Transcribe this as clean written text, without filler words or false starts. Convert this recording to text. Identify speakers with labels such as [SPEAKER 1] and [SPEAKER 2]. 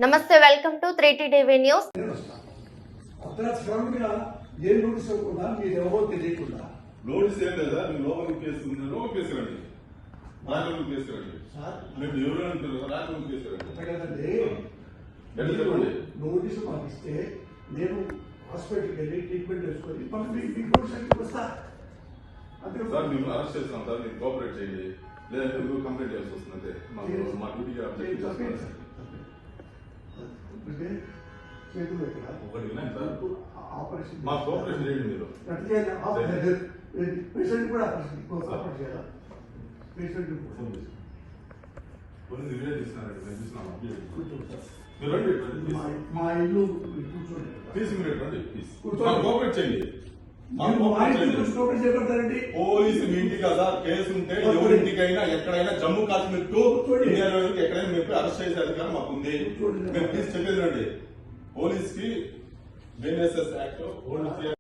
[SPEAKER 1] నమస్తే, welcome to 3T TV news.
[SPEAKER 2] Notice ఏం లేదా? మీరు లోపలికి కేసుకుంటున్నారు, కేసుకురండి. రాజలోకి కేసుకురండి. మీరు ఎవరు అంటారు? రాజలోకి కేసుకురండి.
[SPEAKER 3] నోటీసు మాకు ఇస్తే నేను హాస్పిటల్కి వెళ్ళి ట్రీట్మెంట్ చేసుకొని వస్తా.
[SPEAKER 2] సార్ మేము అరెస్ట్ చేస్తాం సార్, మీరు కోఆపరేట్ చేయండి. లేదంటే మీరు కంప్లైంట్ చేయాల్సి వస్తుంది. అంతే మా డ్యూటీకి
[SPEAKER 3] చేతులు ఎక్కడ
[SPEAKER 2] ఒకటి వినండి సార్,
[SPEAKER 3] ఆపరేషన్
[SPEAKER 2] మా కోఆపరేషన్ చేయండి. మీరు
[SPEAKER 3] పేషెంట్ కూడా ఆపరేషన్ చేయాలా? పేషెంట్
[SPEAKER 2] కొన్ని రిలే చేస్తున్నారండి, మేము చూస్తున్నాం. మీరు రండి,
[SPEAKER 3] మా ఇల్లు కూర్చోండి.
[SPEAKER 2] తీసి మీరు రండి, కోఆపరేట్ చేయండి. పోలీసు మీ ఇంటి కదా, కేసు ఉంటే ఎవరింటికైనా ఎక్కడైనా జమ్మూ కాశ్మీర్ టు ఇండియాలో ఎక్కడైనా మీరు అరెస్ట్ చేసే అధికారం మాకుంది. మీరు ప్లీజ్ చెప్పేది రండి. పోలీస్ కి BNSS యాక్ట్